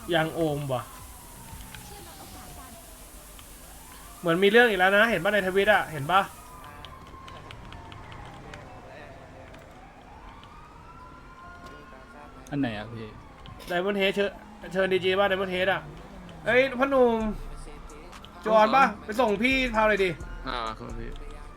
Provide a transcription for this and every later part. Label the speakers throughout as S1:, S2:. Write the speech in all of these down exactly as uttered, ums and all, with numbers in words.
S1: ยังโอมว่ะเหมือนมีเรื่องอีกแล้วนะเห็นป่ะในทวิตอะเห็นป่ะ
S2: อันไหนอ่ะพี่
S1: ไดมอนเฮดเชิญเชิญดีจีป่ะไดมอนเฮดอะเอ้ยพ่อหนุ่มจอนป่ะไปส่งพี่พาวเลยดิ
S2: อ่าครับพี่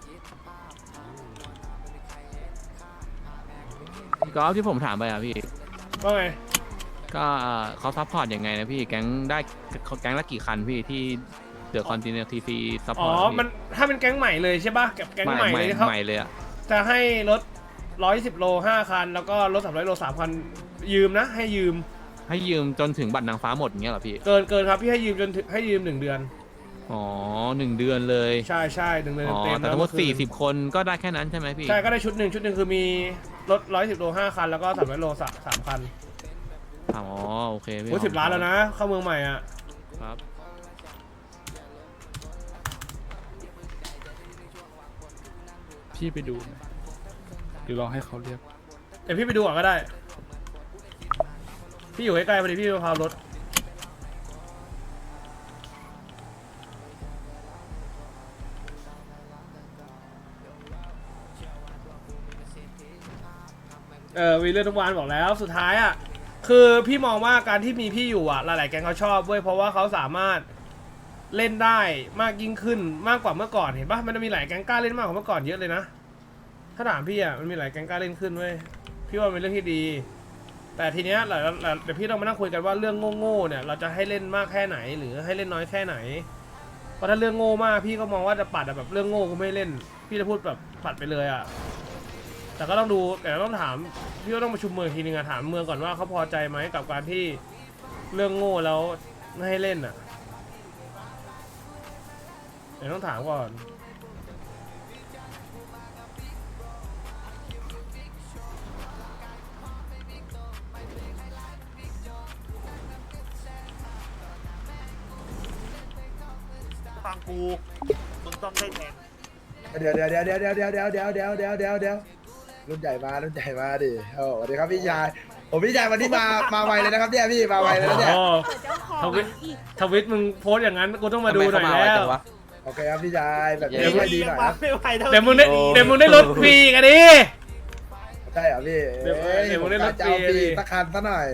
S2: พี่กอล์ฟที่ผมถามไปอ่ะพี่
S1: ว่าไง
S2: ก็เอ่อเขาซัพพอร์ตยังไงนะพี่แก๊งได้แก๊งละกี่คันพี่ที่เดือดคอนติเนียทีฟีซัพพ
S1: อ๋
S2: อ
S1: อ
S2: ร์ต
S1: มันถ้าเป็นแก๊งใหม่เลยใช่ป่ะกับแก๊งใหม่เลยเขา
S2: ใหม่เลยอ่ะ
S1: จะให้รถร้อยสิบโลห้าคันแล้วก็รถสามร้อยโลสามคันยืมนะให้ยืม
S2: ให้ยืมจนถึงบัตรนางฟ้าหมดอย่างเงี้ยเหรอพี่
S1: เกินเกินครับพี่ให้ยืมจนถึงให้ยืมหนึ่งเดือน
S2: อ๋อหนึ่งเดือนเลย
S1: ใช่ใช่หนึ่งเดือน
S2: อ๋อ
S1: เต็ม
S2: แต่ทั้งหมดสี่สิบคนก็ได้แค่นั้นใช่ไหมพี่
S1: ใช่ก็ได้ชุดหนึ่งชุดหนึ่งคือมีรถร้อยสิบโลห้าคันแล้วก็สามร้อยโลสามสามคัน
S2: อ๋อโอเคพี่
S1: โอ้สิบล้านแล้วนะเข้าเมืองใหม่อ่ะ
S2: ครับพี่ไปดูไหมหรือรอให้เขาเรียก
S1: เดี๋ยวพี่ไปดูก่อนก็ได้พี่อยู่ใกล้ๆพอดีพี่ไปพาวรถเออวีเรื่องทุกวันบอกแล้วสุดท้ายอ่ะคือพี่มองว่าการที่มีพี่อยู่อ่ะหลายๆแก๊งเขาชอบเว้ยเพราะว่าเขาสามารถเล่นได้มากยิ่งขึ้นมากกว่าเมื่อก่อนเห็นปะมันจะมีหลายแก๊งกล้าเล่นมากกว่าเมื่อก่อนเยอะเลยนะถ้าถามพี่อ่ะมันมีหลายแก๊งกล้าเล่นขึ้นเว้ยพี่ว่าเป็นเรื่องที่ดีแต่ทีเนี้ยหลายเดี๋ยวพี่ต้องมานั่งคุยกันว่าเรื่องโง่ๆเนี่ยเราจะให้เล่นมากแค่ไหนหรือให้เล่นน้อยแค่ไหนเพราะถ้าเรื่องโง่มากพี่ก็มองว่าจะปัดอะแบบเรื่องโง่ก็ไม่เล่นพี่จะพูดแบบปัดไปเลยอ่ะแต่ก็ต้องดูแต่ต้องถามพี่ก็ต้องประชุมเมืองทีนึงอะถามเมืองก่อนว่าเขาพอใจไหมกับการที่เรื่องโง่แล้วไม่ให้เล่นอ่ะเดี๋ยวต้องถามก่อน
S3: ฟังกูมึงต้องได้แทน
S4: เดี๋ยวเดี๋ยวเดี๋ยวเดี๋ยวเดี๋ยวเดี๋ยวเดี๋ยวเดี๋ยวเดี๋ยวเดี๋ยวเดี๋ยวเดี๋ยวรุ่นใหญ่มารุ่นใหญ่มาดิโอ้สวัสดีครับพี่ชายผมพี่ชายวันนี้มามาไวเลยนะครับเนี่ยพี่มาไวเลยนะเนี่ย
S1: อ๋อทวิตทวิตมึงโพสต์อย่างนั้นกูต้องมาดูหน่อยแล้ว
S4: โอเคครับพี่ชายแบบนี้ไม่ดีหน่อยนะ
S3: ไม่ไหวเท่า
S1: เดี๋ยวมึงได้เดี๋ยวมึงได้รถฟรีกันดิ
S4: ใช่เหรอพี่
S1: เดี๋ยว
S4: อ้
S1: เดี๋ยวผมได้รถ
S4: จะเอา
S1: ฟรี
S4: ฟรีสักคันซะหน่อย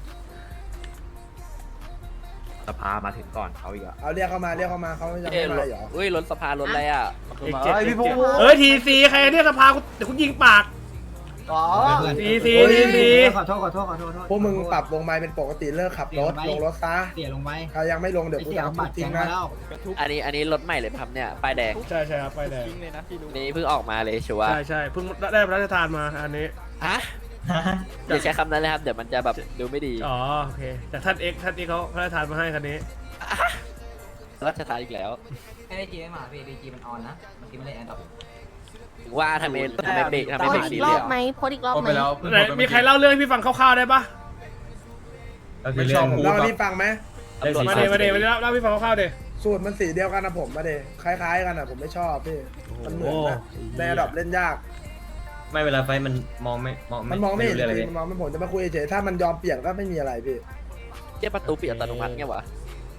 S5: สภามาถึงก่อนเขาอีกอะ
S4: เอาเรียกเข้ามาเรียกเข้ามาเขายังไม่มาเหรอ
S5: เฮ้ยรถสภารถอะไรอ่ะ
S1: เอกเจ็ดพี่พงษ์เอ้ยทีซีใครเนี่ยสภากูเดี๋ยวกูยิงปาก
S4: อ๋อ
S1: ทีซีทีซี
S6: ขอโทษขอโทษขอโทษขอโทษ
S4: พวกมึงปรับวงไม้เป็นปกติเลิกขับรถลงรถซะ
S6: เสียลงไป
S4: ใครยังไม่ลงเดี๋ยวกู
S6: เสีย
S4: จะเอา
S6: บัตร
S4: ทิ้
S6: แก
S4: ง
S6: งมา
S4: นะ
S6: แล้ว
S5: อันนี้อันนี้รถใหม่เลยครับเนี่ยป้ายแดง
S1: ใช่ใช่ครับไปแดง
S5: นี่เพิ่งออกมาเลยชัวร์
S1: ใช่ใช่เพิ่งได้พระราชทานมาอันนี้
S5: ฮะอย่าใช้คำนั้นเลยครับเดี๋ยวมันจะแบบดูไม่ดี
S1: อ๋อโอเคแต่ท่านเอ็กท่านนี้เขาพระราชทานมาให้คันนี้
S5: รัชทานอีกแล้ว
S6: ไม่ได้จีไม่มาพี่ดีจีมันออนนะเมื่อกี้ไม่ได้แอนดรอป
S5: ถึงว่าทำไมทำไมเบรกทำไม
S7: โพ
S5: เบร
S7: ส
S5: ก
S7: ต์
S5: สี
S7: อีก
S5: เห
S7: ร
S5: ลื
S7: อ
S5: อบ ง
S7: ไหมโพสต์อีกรอบไหม
S1: ไหนมีใครเล่าเรื่องให้พี่ฟังคร่าวๆได้ปะ
S4: ไม่ชอบผมเล่าให้พี่ฟังไหม
S5: ตำรวจ
S1: มาเดมาเดมาเดเล่าพี่ฟังคร่าวๆเด
S4: สูตรมันสีเดียวกันนะผมมาเดคล้ายๆกันนะผมไม่ชอบพี่มันเหมือนนะในระดับเล่นยาก
S8: ไม่เวลาไฟมันมองไม่มอง
S4: มันมองไม่เห็น
S8: รู้
S4: จ
S8: รื่
S4: ริงมันมองไม่ผมจะมาคุยเฉยๆถ้ามันยอมเปลี่ยนก็ไม่มีอะไรพี่
S5: เจ้าประตูปิดอัตโนมัติไงวะ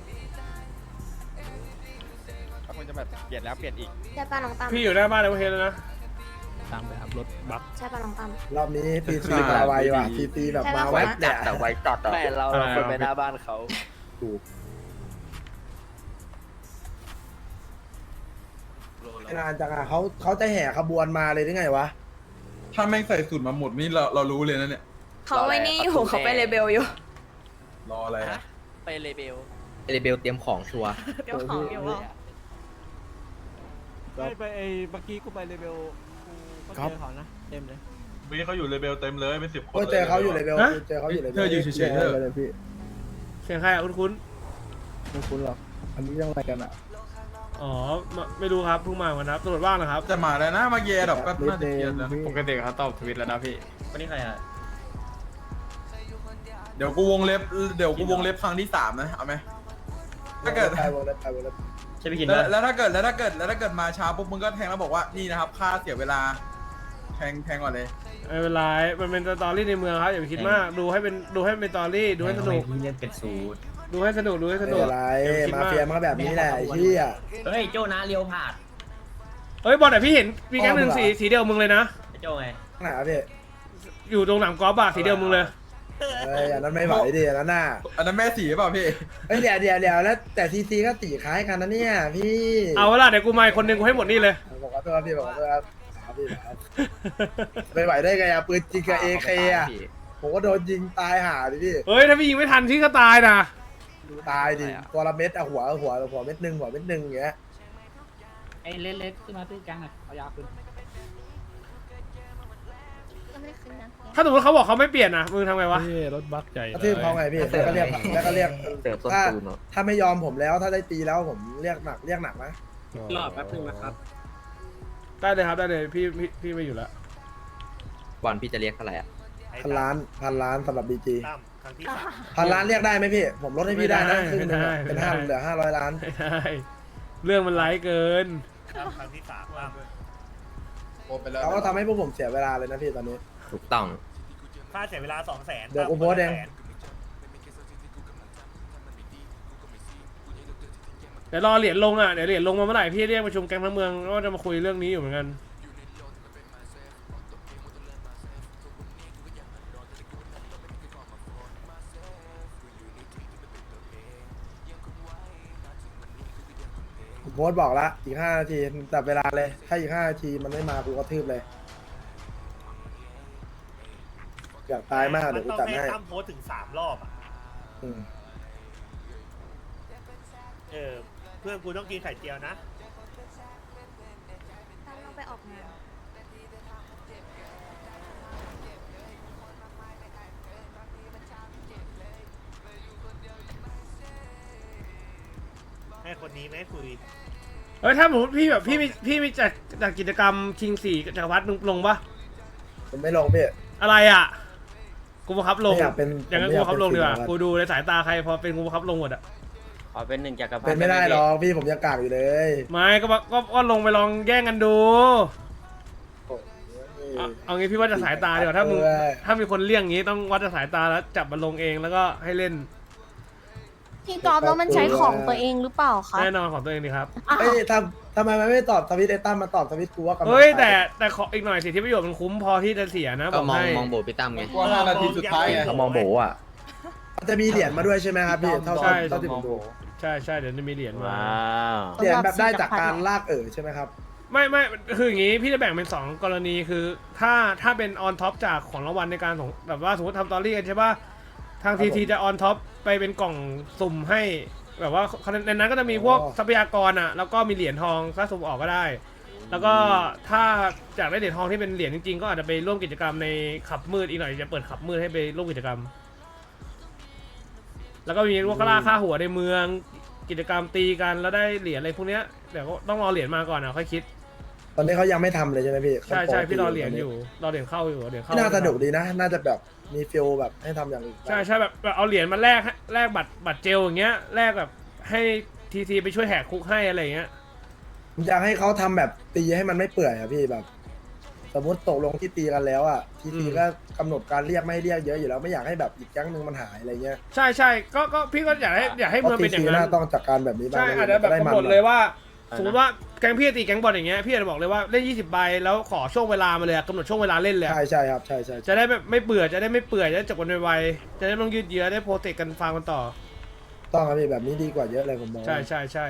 S3: คนจะแบบเปลี่ยนแล้วเปลี่ยนอีก
S7: ใช่ป้าน้องตั้ม
S1: พี่อยู่หน้าบ้านในประเทศแล้วนะ
S2: ตามไปครับรถบัส
S7: ใช่ป้าน้องตั้ม
S4: รอบนี้ทีซีมาไวว่ะทีซีแบบมาแวบเนี่ย
S5: แต่ไว้จอดแม่เราเราคนไปหน้าบ้านเขา
S4: ถูกนานจังอ่ะเขาเขาจะแห่ขบวนมาเลยได้ไงวะ
S9: ถ้าแม่งใส่สูตรมาหมดนี่เราเรารู้เลยนะเนี่ย
S7: เขาไว้นี่อยู่เขาไปเลเบลอยู่
S9: รออะไร
S5: ฮะ
S9: อะ
S5: ไปเลเบล
S8: เรเบลเตรียมของชัวร์
S7: เดี๋ยวของอยู่ว่า
S4: ครับ
S3: ไปไอ้เมื่อกี้กูไปเลเวลกูก็เจอเขานะเต็มเลย
S9: มีเขาอยู่เลเบลเต็มเลยเป็นสิบคน
S4: ก็เจอเขาอยู่เลยเบล
S1: ฮะ
S4: เจอเขาอยู่เลย
S9: เธออยู่เฉยๆเธอ
S4: เลยพี่
S1: เสียงใครอ่ะคุ้น
S4: ไม่คุ้นหรอกอันนี้ยังอะไรกันอ่ะ
S1: ๆอ๋อไม่ไม่รู้ครับเพิ่งมาเหมือนกันครับตำรวจว่างนะครับ
S9: จะมาแล้วนะมาเย่ดับก็น่าจะเคลียร์แล้ว
S2: ปกติเขาตอบทวิตแล้วนะพี่
S8: วันนี้ใครอ่ะ
S9: เดี๋ยวกูวงเล็บเดี๋ยวกูวงเล็บครั้งที่สามนะเอาไหมถ้าเกิด
S4: ไปวงเล็บไปวงเล็บ
S8: ใช่พี่กิน
S9: แล้ว
S8: ปะ
S9: แล้วถ้าเกิดแล้วถ้าเกิดแล้วถ้าเกิดมาช้าปุ๊บมึงก็แทงแล้วบอกว่านี่นะครับค่าเสียเวลาแทงแทงก่อนเลย
S1: ไม่เป็นไรมันเป็นสตอรี่ในเมืองครับอย่าไปคิดมากดูให้เป็นดูให้เป็นสตอรี่ดูให้สนุก
S8: พี่เล่นเป็นสูตร
S1: ดูให้สนุกดูให้ส
S4: ไม่
S1: นุก
S4: เป็นไร
S1: อย่าไปคิด
S4: มาเฟียมันก็แบบนี้แหละไอ้เหี้ย
S8: เฮ้ยโจนะเลียวผาด
S1: เฮ้ยบอลแต่พี่เห็นมีแก๊งหนึ่งสีสีเดียวมึงเลยนะ
S8: ไอ้โจไง
S4: ข้างไหนครับพี่
S1: อยู่ตรงหนามกอล์ฟอะสีเดียวมึงเลย
S4: เอ้ยอันนั้นไม่ไหวดิอันนั้นน่ะ
S9: อันนั้นแม่สีเปล่าพี่
S4: เฮ้ยเดี๋ยวเดี๋ยวเดี๋ยวแล้วแต่ทีซีก็ตีคล้ายกันนะเนี่ยพี่
S1: เอาเวลาเดี๋ยวกูมาอีกคนหนึ่งกูให้หมดนี่เลย
S4: บอกขอโทษพี่บอกขอโทษครับครับพี่ครับไม่ไหวได้ไงอะปืนจริงกับเอเคอะผมก็โดนยิงตายห่าดิพี่
S1: เฮ้ยถ้าพี่ยิงไม่ทันพี่ก็ตายนะ
S4: ตายดิตัวละเม็ดอะหัวหัวหัวเม็ดหนึ่งหัวเม็ดหนึ่งอย่างเงี้ย
S3: ไอ้เล็กๆขึ้นมาตื้อจังอ่ะเอายาขึ้น
S7: ก็ไม่ได้ขึ้นนะ
S1: ถ้าสมมติเขาบอกเขาไม่เปลี่ยนนะมึงทำไงวะ
S2: รถบักใหญ่
S4: กระทืบเขาไงพี่แล้วก็เรียกแล้วก็เรียก
S5: เสิร์ฟต้น
S4: ถ้า
S5: ตูนเนาะ
S4: ถ้าไม่ยอมผมแล้วถ้าได้ตีแล้วผมเรียกหนักเรียกหนักนะ
S3: รอแป๊บนึงนะครับ
S1: ได้เลยครับได้เลยพี่พี่พี่ไม่อยู่แล้ว
S5: บอลพี่จะเรียกเท่าไหร่อ่ะ
S4: พันล้านพันล้านสำหรับบีจี
S3: ตั้มครั้งที่สาม
S4: พันล้านเรียกได้ไหมพี่ผมลดให้พี่ได้นะครึ่งหนึงอะเป็นห้าเหลือห้าร้อยล้าน
S1: ไม่ได้เรื่องมันไร้เกิน
S3: ตั้มครั้งที่สามตั้ม
S9: โอนไปแล้ว
S4: เขาก็ทำให้พวกผมเสียเวลาเลยนะพี่ตอนนี้
S5: ถูกต้อง
S3: ค่าเสียเวลาสองแสน
S4: เดี๋ยวกูโพสต์เอง
S1: เดี๋ยวรอเหรียญลงอ่ะเดี๋ยวเหรียญลงมาเมื่อไหร่พี่เรียกประชุมแก๊งทั้งเมืองก็จะมาคุยเรื่องนี้อยู่เหมือนกัน
S4: ผมโพสต์บอกละอีกห้านาทีจับเวลาเลยถ้าอีกห้านาทีมันไม่มากูก็ทืบเลยอยากตายมากเดี๋ยวกูจัดให้
S3: ตั้มโพสถึงสามรอบอ่ะ
S4: อืม
S3: เออเพื่อนกูต้องกินไข่เจียวนะ
S7: ตั้มเราไปออกงาน
S3: ให้คนนี้ไม่คุย
S1: เฮ้ยถ้าสมมติพี่แบบพี่มีพี่มีจัดจัดกิจกรรมชิงสี่จักรพรรดิมึงลงปะ
S4: ผมไม่ลงพี่
S1: อะไรอ่ะกูบังคับลง
S4: ไม่อยากเป็น
S1: อย่างนั้น
S4: ผม
S1: กู
S4: ไม่อยาก
S1: บังคับลงดีกว่า
S4: เป็น
S1: กูดูในสายตาใครพอเป็นกูบังคับลงหมดอ่ะ
S5: ขอเป็นหนึ่งจักรพรรดิ
S4: เป็นไม่ได้หรอกพี่ผมยังกากอยู่เลย
S1: ไม่ก็บังก็ก็ลงไปลองแย่งกันดู
S4: โอ้ย
S1: เอาเอางี้พี่ว่าจะสายตาดีกว่าถ้ามึง
S4: เออ
S1: ถ้ามีคนเลี่ยงงี้ต้องวัดจากสายตาแล้วจับมันลงเองแล้วก็ให้เล่น
S7: พี่กอล์ฟแล้วมันใช้ของตัวเองหรือเปล่าคะ
S1: แน่นอนของตัวเองดีครับ
S7: อ้าว
S4: เอ้ยทำทำไมมันไม่ตอบทวิตไอ้ตั้มมาตอบทวิตกูว่ากำลัง
S1: เฮ้ย
S4: ไป
S1: แต่แต่ขออีกหน่อยสิที่ประโยชน์มันคุ้มพอที่จะเสียนะบ
S5: ก็
S1: อก
S5: มอง
S1: ให้
S5: มองโบพี่ตั้มไง
S9: กว่าห้านาทีสุดท้ายไง
S5: เขามองโบอ่ะ
S4: มันจะมีเหรียญมาด้วยใช่ไหมครับพี่เท่า
S1: ใช่
S4: เท่าที่ผมดู
S1: ใช่ใช่เดี๋ยวจะมีเหรียญมา
S5: ว้าว
S4: เหรียญแบบได้จากการลากเอ๋อใช่ไหมครับ
S1: ไม่ไม่คืออย่างงี้พี่จะแบ่งเป็นสองกรณีคือถ้าถ้าเป็นออนท็อปจากของรางวัลในการส่งแบบว่าสมมติทำตอรี่กันใช่ป่ะทาง
S4: ครับ
S1: ที
S4: ผม
S1: ทีจะออนท็อปไปเป็นกล่องสุ่มให้แบบว่าในนั้นก็จะมีพวก
S4: อ๋อ
S1: ทรัพยากรอ่ะแล้วก็มีเหรียญทองถ้าสุ่มออกก็ได้ แล้วก็ถ้าอยากได้เหรียญทองที่เป็นเหรียญจริงๆ ก็อาจจะไปร่วมกิจกรรมในขับมืดอีกหน่อยจะเปิดขับมืดให้ไปร่วมกิจกรรม แล้วก็มีพวกล่าค่าหัวในเมืองกิจกรรมตีกันแล้วได้เหรียญอะไรพวกเนี้ยเดี๋ยวก็ต้องรอเหรียญมาก่อนนะค่อยคิด
S4: ตอนนี้เขายังไม่ทำเลยใช่ไหมพี่
S1: ใช่ใช่
S4: ขา
S1: พี่รอเหรียญ
S4: ตน
S1: อ
S4: นี้
S1: ยู่รอเหรียญเข้าอยู่เหรียญเข้า
S4: น่าสนุกดีนะ น่าจะแบบมีฟิลแบบให้ทำอย่างอื่น
S1: ใช่ใช่แบบแบบเอาเหรียญมาแลกให้แลกบัตรบัตรเจลอย่างเงี้ยแลกแบบให้ทีทีไปช่วยแหกคุกให้อะไรอย่างเงี้ย
S4: ผมอยากให้เขาทำแบบตีให้มันไม่เปื่อยอะพี่แบบ สมมติตกลงที่ตีกันแล้วอะทีทีก็กำหนดการเรียกไม่ให้เรียกเยอะอยู่แล้วไม่อยากให้แบบอีกแก๊งหนึงมันหายอะไรเงี้ย
S1: ใช่ใช่ก็ก็พี่ก็อยากให้อยากให้
S4: เพ
S1: เมือง
S4: ราะที
S1: เป็นอย่า
S4: ที
S1: งนั้
S4: น่าน ต้องจัดการแบบนี้บ้าง
S1: ใช่
S4: นะ
S1: อาจจะแบบ
S4: ได้
S1: กำ
S4: มัน
S1: หนดเลยว่าสมมติว่าแก๊งพี่ตีแก๊งบอลอย่างเงี้ยพี่อาจจะบอกเลยว่าเล่นยี่สิบใบแล้วขอช่วงเวลามาเลยอะกำหนดช่วงเวลาเล่นเลยอะ
S4: ใช่ใช่ครับใช่ใช่
S1: จะได้แบบไม่เบื่อจะได้ไม่เปื่อยจะได้จบกันไวๆจะได้ไม่ต้องยืดเยื้อได้โปรเทคกันฟาร์มกันต่อ
S4: ต้องครับพี่แบบนี้ดีกว่าเยอะเลยผมมอง
S1: ใช่ใช่ใช่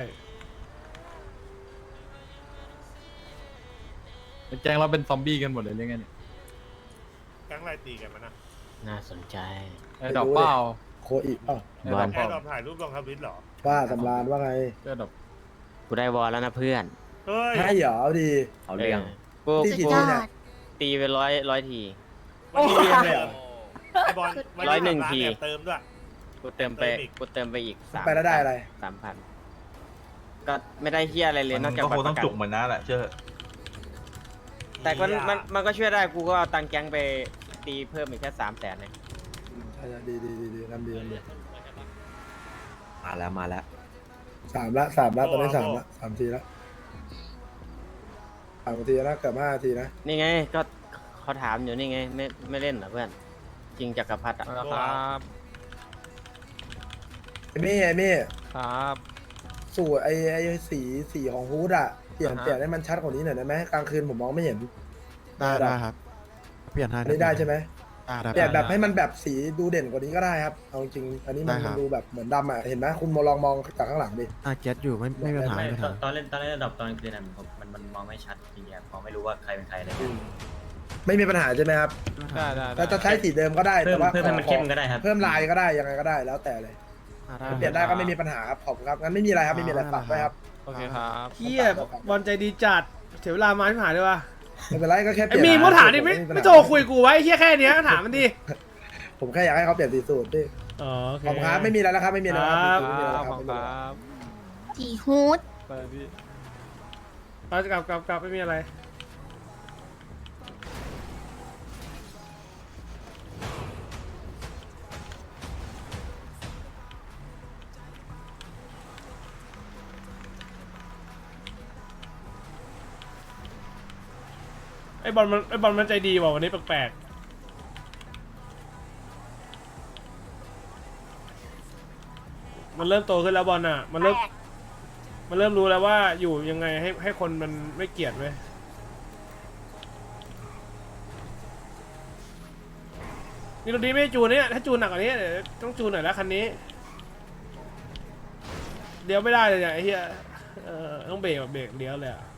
S2: แจ้งเราเป็นซอมบี้กันหมดเลยเรื่องไงเนี่ย
S3: แก๊งอะไรตีกันมานะ
S5: น่าสนใจ
S2: ไอ้ดอกเป้า
S4: โคอีเอ้า
S2: ไอ้ดอก
S3: แค่
S2: เป้า
S3: เราถ่ายรูปลงทวิตเหรอ
S4: ว่าสำรานว่าไง
S2: ไอ้ดอก
S5: กูได้วอลแล้วนะเพื่อน
S3: เฮ้ย
S4: ให้เหรอเอาดี
S5: เอาเรื่องกู
S4: ตี
S7: สุด
S4: กี่
S7: ย
S4: ที
S7: อ
S4: เนี่ย
S7: ด
S5: ตีไปร้อยร้อยที
S3: วันนี้
S4: โอ้โห
S3: ไอบอลวัน
S5: ร้อยหนึ่งที
S3: แอบเติมด้วย
S5: กูเติมไป
S3: เติมอีก
S5: กูเติมไปอีกสาม
S4: ไปแล้วได้อะไร
S5: สามพันก็ไม่ได้เฮียอะไรเลยนอกจากบัตรประกัน
S9: แหละเชื่อ
S5: แต่ก็มันมันก็ช่วยได้กูก็เอาตังค์แก๊งไปตีเพิ่มอีกแค่สามแสนเลย
S4: ใช่ๆดีดีดีดีทำดีทำดี
S5: มาแล้วมาแล้ว
S4: สามละสามละตอนนี้สามละสามทีละสามทีละเกือบห้าทีนะ
S5: นี่ไงก็ขเขาถามอยู่นี่ไงไม่ไม่เล่นเหรอเพื่อนจริงจักรพรรดิอ่ะ
S2: ครับ
S4: ไอ้มี่ไอ้มี่
S2: ครับ
S4: สูตรไอ้ไอ้สีสีของฮูดอะเปลี่ยน
S2: อ่าฮะ
S4: เปลี่ยนให้มันชัดกว่านี้หน่อยได้ไหมกลางคืนผมมองไม่เห็น
S10: ได้ได้ครับ เปลี่ยนให้
S4: อันนี้ได้ใช่ไหม
S10: ได้ได้
S4: เปลี่ยนแบบให้มันแบบสีดูเด่นกว่านี้ก็ได้ครับเอาจริงๆอันนี้มัน
S10: ได้ครับ
S4: ดูแบบเหมือนดำอะเห็นไหมคุณมาลองมองจากข้างหลังดิ
S10: อ่ะเก็ตอยู่ไม่ไม่มีปัญหา
S8: ไม่
S10: ไม่มีปัญ
S8: ตอ
S10: หาน
S8: ตอนเล่นตอนเล่นระดับตอนกลางคืนนั้นผมมันมันมองไม่ชัดจริงๆมองไม่รู้ว่าใครเป็นใครเลย
S4: ไม่มีปัญหาใช่ไหมครับ
S2: ได้ได้
S4: แต่จะใช้สีเดิมก็ได้
S8: เพิ่
S4: แต่
S8: ม
S4: ว่า
S8: เพิ่มให้มันเข้มก็ได้ครับ
S4: เพิ่มลายก็ได้ยังไงก็ได้แล้วแต่เลย
S10: อ่ะได้
S4: เปลี่ยนได้ก็ไม่มีปัญหาครับขอบคุณครับงั้นไม่มีอะไรครับไม่มีอะไรฝากไว้ครับ
S2: โอเคครับ
S1: เฮียบอลใจดีจัดเสียเวลามาที่ผ่านด้วยวะ
S4: ไม่เป็นไรก็แค่เป
S1: ไอ้
S4: ลี่ยน
S1: มีมดถามดิไม่
S4: ผปัญ
S1: ไม่
S4: ห
S1: โทรคุยกูไว้ไอ้เฮียแค่เนี้ยถามมันดิ
S4: ผมแค่อยากให้เขาเปลี่ยนสีสูตรดิ
S1: อ๋อโอเค
S4: ขอบคุณครับไม่มีอะไรแล้วครับไม่มีอะไรแล้วครับ
S1: ครับ
S4: ไม่มีอะไรแล้ว
S2: ข
S4: ค
S2: อ
S4: รั
S2: บบ คุณ
S4: ไม่มี
S2: ค
S4: อะไรแล้ว
S2: รับ
S7: จีฮูด
S2: ไปพี่
S1: เอากลับกลับกลับไม่มีอะไร ไอ้บอลมันไอ้บอลมันใจดีว่ะวันนี้แปลกๆมันเริ่มโตขึ้นแล้วบอลอ่ะ มันเริ่มมันเริ่มรู้แล้วว่าอยู่ยังไงให้ให้คนมันไม่เกลียดเว้ยนี่รถดีไม่จูนเนี่ยถ้าจูนหนักกว่านี้เดี๋ยวต้องจูนหน่อยแล้วคันนี้เดี๋ยวไม่ได้เลยเนี่ยไอ้เหี้ยเออต้องเบรกแบบเบรกเลี้ยวเลยอ่ะ